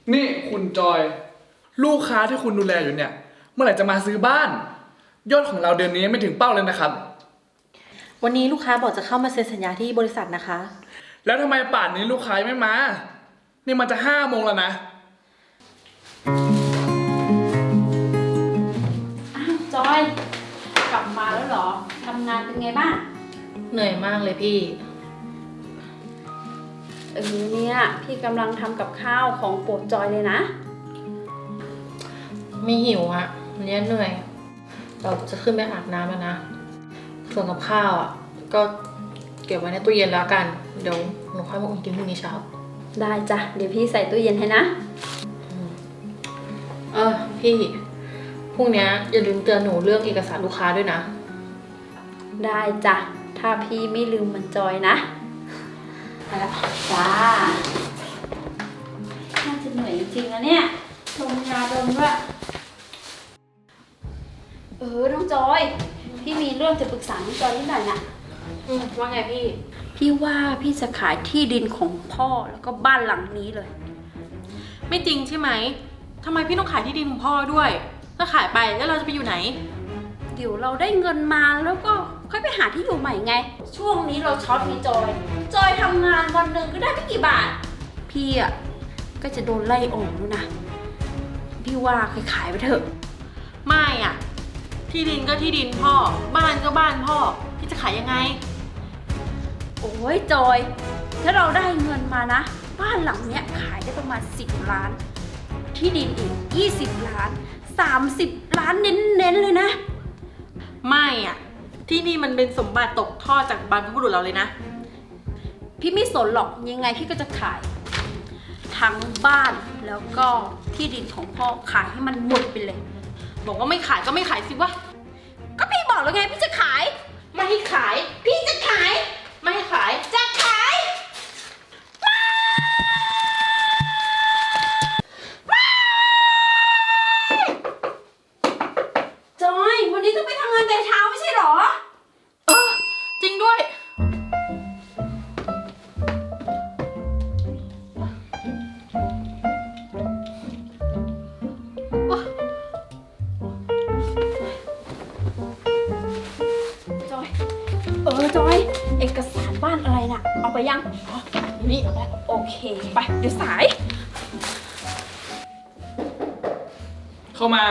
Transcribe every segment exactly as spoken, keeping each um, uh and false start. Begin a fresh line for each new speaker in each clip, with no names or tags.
นี่คุณจอยลูกค้าที่คุณดูแลอยู่เนี่ยเมื่อไหร่จะมาซื้อบ้านยอดของเราเดือนนี้ไม่ถึงเป้าเลยนะครับ
วันนี้ลูกค้าบอกจะเข้ามาเซ็นสัญญาที่บริษัทนะคะ
แล้วทำไมป่านนี้ลูกค้าไม่มานี่มันจะห้าโมงแล้วนะ
อ้าวจอยกลับมาแล้วเหรอทำงานเป็นไงบ้าง
เหนื่อยมากเลยพี่
เออเนี่ยพี่กำลังทำกับข้าวของโปรดจอยเลยนะ
ไม่หิวอะวันนี้เหนื่อยเราจะขึ้นไปอาบน้ำแล้วนะส่วนกับข้าวอะก็เก็บไว้ในตู้เย็นแล้วกันเดี๋ยวหนูค่อยมาอุ่นกินพรุ่งนี้เช้า
ได้จ้ะเดี๋ยวพี่ใส่ตู้เย็นให้นะ
เออพี่พรุ่งนี้อย่าลืมเตือนหนูเรื่องเอกสารลูกค้าด้วยนะ
ได้จ้ะถ้าพี่ไม่ลืมมันจอยนะไปละจ้าน่าจะเหนื่อยจริงๆนะเนี่ยชมยาดมด้วยเออน้องจอยพี่มีเรื่องจะปรึกษาน้องจอยนิดหน่อยนะ
อืมว่าไงพี่
พี่ว่าพี่จะขายที่ดินของพ่อแล้วก็บ้านหลังนี้เลย
ไม่จริงใช่ไหมทำไมพี่ต้องขายที่ดินของพ่อด้วยถ้าขายไปแล้วเราจะไปอยู่ไหน
เดี๋ยวเราได้เงินมาแล้วก็ค่อยไปหาที่อยู่ใหม่ไงช่วงนี้เราช็อตมีจอยจอยทำงานวันหนึ่งก็ได้ไม่กี่บาทพี่อ่ะก็จะโดนไล่ออกแล้วนะพี่ว่าขายไปเถอะ
ไม่อ่ะที่ดินก็ที่ดินพ่อบ้านก็บ้านพ่อพี่จะขายยังไง
โอ้ยจอยถ้าเราได้เงินมานะบ้านหลังเนี้ยขายได้ประมาณสิบล้านที่ดินอีกยี่สิบล้านสามสิบล้านเน้นๆเลยนะ
ไม่อ่ะที่นี่มันเป็นสมบัติตกทอดจากบรรพบุรุษเราเลยนะ
พี่ไม่สนหรอกยังไงพี่ก็จะขายทั้งบ้านแล้วก็ที่ดินของพ่อขายให้มันหมดไปเลย
บอกว่าไม่ขายก็ไม่ขายสิวะ
ก็พี่บอกแล้วไงพี่จะขาย
ไม่ให้ขาย
พี่จะขาย
ไม่ให้ขาย
จะขายจอยวันนี้ต้องไปทำงานแต่เช้าไม่ใช่หรอ
เออจริงด้วย
จอยเออจอยเอกสารบ้านอะไรน่ะเอาไปยัง
อ๋อนี่เอาไป
โอเคไปเดี๋ยวสาย
เข้ามา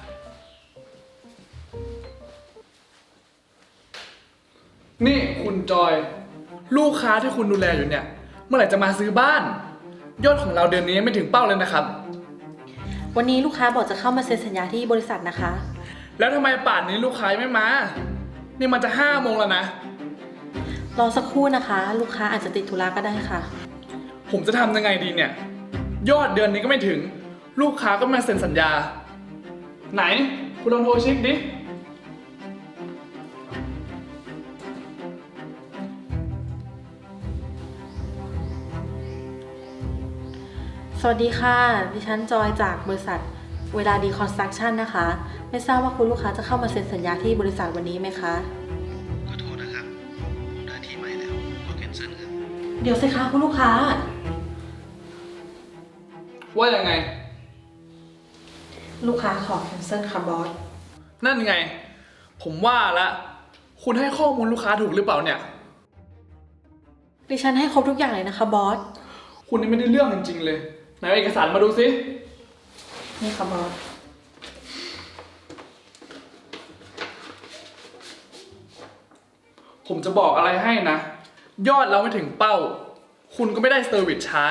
นี่คุณจอยลูกค้าที่คุณดูแลอยู่เนี่ยเมื่อไหร่จะมาซื้อบ้านยอดของเราเดือนนี้ไม่ถึงเป้าเลยนะครับ
วันนี้ลูกค้าบอกจะเข้ามาเซ็นสัญญาที่บริษัทนะคะ
แล้วทำไมป่านนี้ลูกค้าไม่มานี่มันจะห้าโมงแล้วนะ
รอสักครู่นะคะลูกค้าอาจจะติดธุระก็ได้ค่ะ
ผมจะทำยังไงดีเนี่ยยอดเดือนนี้ก็ไม่ถึงลูกค้าก็มาเซ็นสัญญาไหนคุณลองโทรเช็คดิ
สวัสดีค่ะดิฉันจอยจากบริษัทเวลาดีคอนสตรัคชั่นนะคะไม่ทราบว่าคุณลูกค้าจะเข้ามาเซ็นสัญญาที่บริษัทวันนี้ไหมคะ
ขอโทษนะครับผมได้ที่ใหม่แล้วขอแคนเซิลครับ
เดี๋ยวสิคะคุณลูกค้า
ว่ายังไง
ลูกค้าขอแคนเซิลค่ะบอส
นั่นไงผมว่าละคุณให้ข้อมูลลูกค้าถูกหรือเปล่าเนี่ย
ดิฉันให้ครบทุกอย่างเลยนะคะบอส
คุณนี่ไม่ได้เรื่องจริงๆเลยไหนเอาเอกสารมาดูสิ
นี่ค่ะบอส
ผมจะบอกอะไรให้นะยอดเราไม่ถึงเป้าคุณก็ไม่ได้เซอร์วิสชาร์จ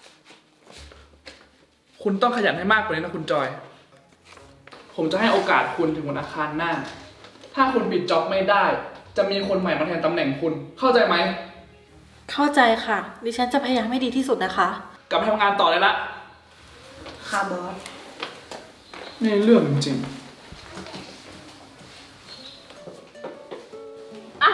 คุณต้องขยันให้มากกว่านี้นะคุณจอยผมจะให้โอกาสคุณถึงวันอังคารหน้าถ้าคุณปิดจ็อบไม่ได้จะมีคนใหม่มาแทนตำแหน่งคุณเข้าใจไหม
เข้าใจค่ะดิฉันจะพยายามให้ดีที่สุดนะคะ
กลับไปทำงานต่อเลยละ
ค่ะบอส
นี่เรื่องจริง
อ่ะ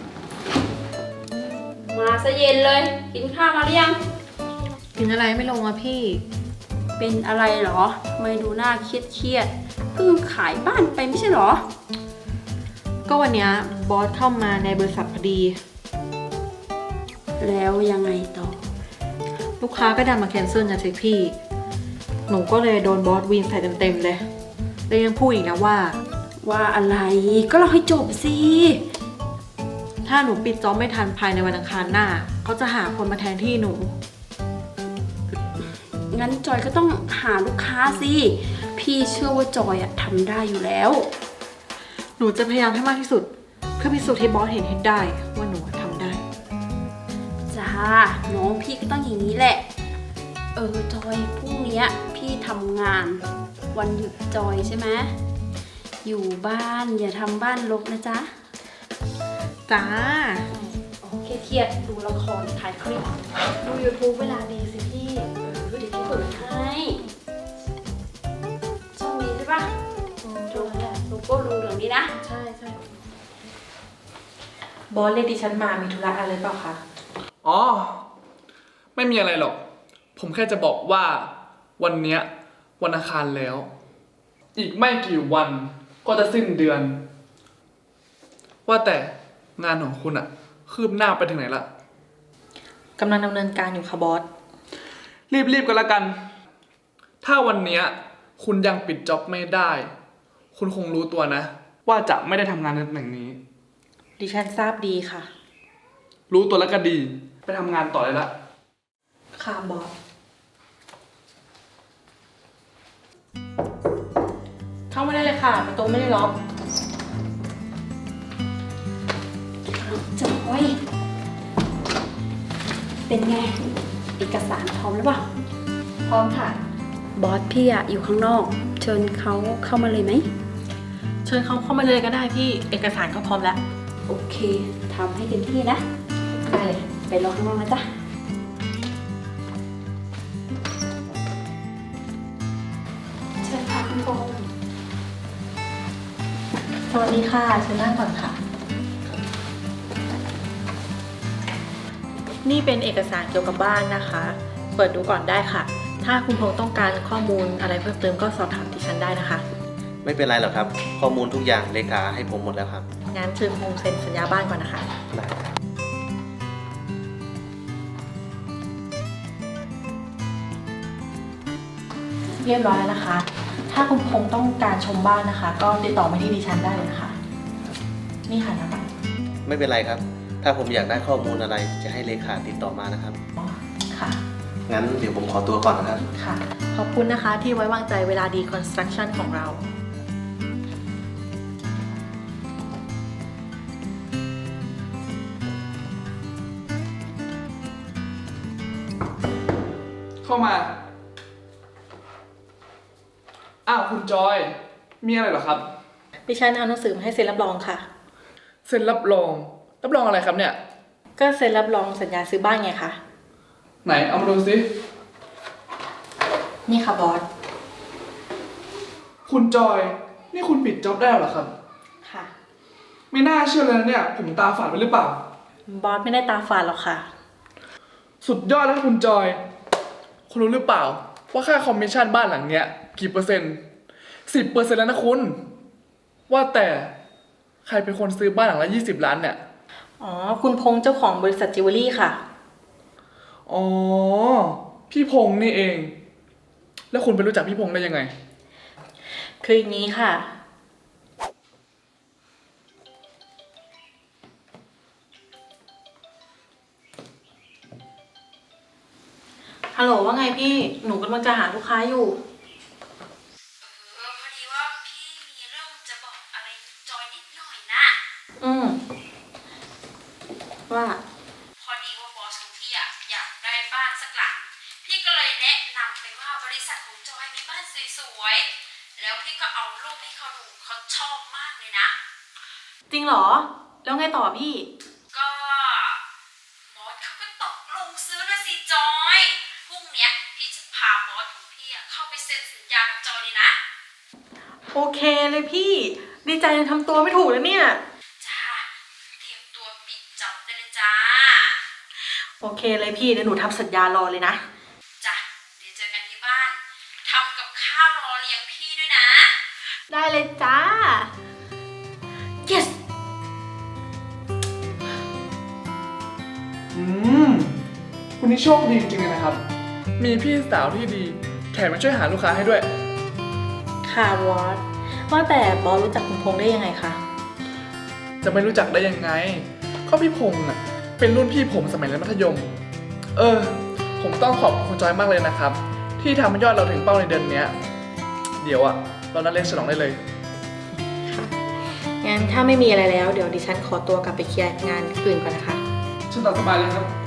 มาซะเย็นเลยกินข้าวมาหรือยัง
กินอะไรไม่ลงอ่ะพี่
เป็นอะไรเหรอทำไมดูหน้าเครียดเครียดเพิ่งขายบ้านไปไม่ใช่เหรอ
ก็วันนี้บอสเข้ามาในบริษัทพอดี
แล้วยังไงต่อ
ลูกค้าก็ดันมาแคนเซิลนะสิพี่หนูก็เลยโดนบอสวีนใส่เต็มๆเลยแล้วยังพูดอีกนะว่า
ว่าอะไรก็เราให้จบสิ
ถ้าหนูปิดจ็อบไม่ทันภายในวันอังคารหน้าเขาจะหาคนมาแทนที่หนู
งั้นจอยก็ต้องหาลูกค้าสิ พี่เชื่อว่าจอยอะทำได้อยู่แล้ว
หนูจะพยายามให้มากที่สุด เพื่อพิสูจน์ให้บอสเห็นให้ได้ว่าหนูทำได้
จ้า น้องพี่ก็ต้องอย่างนี้แหละ เออจอยพรุ่งเนี้ยพี่ทำงานวันหยุดจอยใช่ไหมอยู่บ้านอย่าทำบ้านรกนะจ๊ะ
จ้า
เครียดๆดูละครถ่ายคลิป ดู YouTube เวลาดีสิพี่ เออเดี๋ยวพี่เปิดให้ช่องนี้ใช่ปะโลโก้เหลืองๆนี้นะ
ใช่ใช่บอสเรียกดิฉันมามีธุระอะไรเปล่าคะ
อ๋อ ไม่มีอะไรหรอก ผมแค่จะบอกว่าวันเนี้ยวันอังคารแล้ว อีกไม่กี่วันก็จะสิ้นเดือน ว่าแต่งานของคุณอะคืบหน้าไปถึงไหนละ
กำลังดำเนินการอยู่ค่ะบอส
รีบๆกันละกัน ถ้าวันเนี้ยคุณยังปิดจ็อบไม่ได้ คุณคงรู้ตัวนะ ว่าจะไม่ได้ทำงานในตำแหน่งนี้
ดิฉันทราบดีค่ะ
รู้ตัวแล้วก็ดี ไปทำงานต่อเลยละ
ค่ะบอส เข้ามาได้เลยค่ะประตูไม่ได้ล็อก
จอยเป็นไง เอกสารพร้อมหรือเปล่า
พร้อมค่ะ
บอสพี่อะอยู่ข้างนอก เชิญเขาเข้ามาเลยไหม
เชิญเขาเข้ามาเลยก็ได้พี่ เอกสารก็พร้อมแล้ว
โอเคทำให้เต็มที่นะ
ได้เลย
ไปรอข้างนอกนะจ๊ะ เชิญค่ะคุณโบ
สวัสดีค่ะเชิญนั่งก่อนค่ะ นี่เป็นเอกสารเกี่ยวกับบ้านนะคะ เปิดดูก่อนได้ค่ะ ถ้าคุณพงษ์ต้องการข้อมูลอะไรเพิ่มเติมก็สอบถามดิฉันได้นะคะ
ไม่เป็นไรหรอกครับ ข้อมูลทุกอย่างเลขาให้ผมหมดแล้วครับ
งั้นเชิญพงษ์เซ็นสัญญาบ้านก่อนนะคะ
ได้ครับ
เรียบร้อยแล้วนะคะ ถ้าคุณพงษ์ต้องการชมบ้านนะคะ ก็ติดต่อมาที่ดิฉันได้เลยนะคะ นี่ค่ะนะบัตร
ไม่เป็นไรครับ ถ้าผมอยากได้ข้อมูลอะไรจะให้เลขาติดต่อมานะครับ
อ๋อค่ะ
งั้นเดี๋ยวผมขอตัวก่อนนะครับ
ค่ะ ขอบคุณนะคะที่ไว้วางใจเวลาดีคอนสตรักชั่นของเรา
เข้ามา อ้าว คุณจอย มีอะไรเหรอครับ
ดิฉันเอาหนังสือมาให้เซ็นรับรองค่ะ
เซ็นรับรอง รับรองอะไรครับเนี่ย
ก็เซ็นรับรองสัญญาซื้อบ้านไงคะ
ไหน เอามาดูสิ
นี่ค่ะบอส
คุณจอย นี่คุณปิดจ็อบได้เหรอครับ
ค่ะ
ไม่น่าเชื่อเลยนะเนี่ย ผมตาฝาดไปหรือเปล่า
บอสไม่ได้ตาฝาดหรอกค่ะ
สุดยอดแล้วครับคุณจอย คุณรู้หรือเปล่า ว่าค่าคอมมิชชั่นบ้านหลังเนี้ยกี่เปอร์เซ็นต์ สิบเปอร์เซ็นต์แล้วนะคุณ ว่าแต่ใครเป็นคนซื้อบ้านหลังละยี่สิบล้านเนี่ย
อ๋อ คุณพงษ์เจ้าของบริษัทจิวเวลรี่ค่ะ
อ๋อ พี่พงษ์นี่เอง แล้วคุณไปรู้จักพี่พงษ์ได้ยังไง
คืออย่างนี้ค่ะ ฮัลโหลว่าไงพี่ หนูกำลังจะหาลูกค้าอยู่
เออพอดีว่าพี่มีเรื่องจะบอกอะไรจอยนิดหน่อยนะ
อืม ว่า
พอดีว่าบอสของพี่อะอยากได้บ้านสักหลัง พี่ก็เลยแนะนำไปว่าบริษัทของจอยมีบ้านสวยๆ แล้วพี่ก็เอารูปให้เขาดูเขาชอบมากเลยนะ
จริงเหรอ แล้วไงต่อพี่
ก็บอสเขาก็ตกลงซื้อนะสิจอย พรุ่งเนี้ยพี่จะพาบอสของพี่อะเข้าไปเซ็นสัญญากับจอยเลยนะ
โอเคเลยพี่ ดีใจจนทำตัวไม่ถูกแล้วเนี่ย
จ้า เตรียมตัวปิดจ็อบได้เลยจ้า
โอเคเลยพี่เดี๋ยวหนูทำสัญญารอเลยนะ
จ้ะ เดี๋ยวเจอกันที่บ้าน ทำกับข้าวรอเลี้ยงพี่ด้วยนะ
ได้เลยจ้า yes
อืม คุณนี่โชคดีจริงๆเลยนะครับ มีพี่สาวที่ดีแถมมาช่วยหาลูกค้าให้ด้วย
ค่ะบอสว่าแต่บอสรู้จักคุณพงษ์ได้ยังไงคะ
จะไม่รู้จักได้ยังไง ก็พี่พงษ์อ่ะ เป็นรุ่นพี่ผมสมัยเรียนมัธยม เออ ผมต้องขอบคุณจอยมากเลยนะครับ ที่ทำให้ยอดเราถึงเป้าในเดือนเนี้ย เดี๋ยวอ่ะ เรานัดเลี้ยงฉลองได้เลย
งั้นถ้าไม่มีอะไรแล้วเดี๋ยวดิฉันขอตัวกลับไปเคลียร์งานอื่นก่อนนะคะ
ฉันตามสบายเลยครับ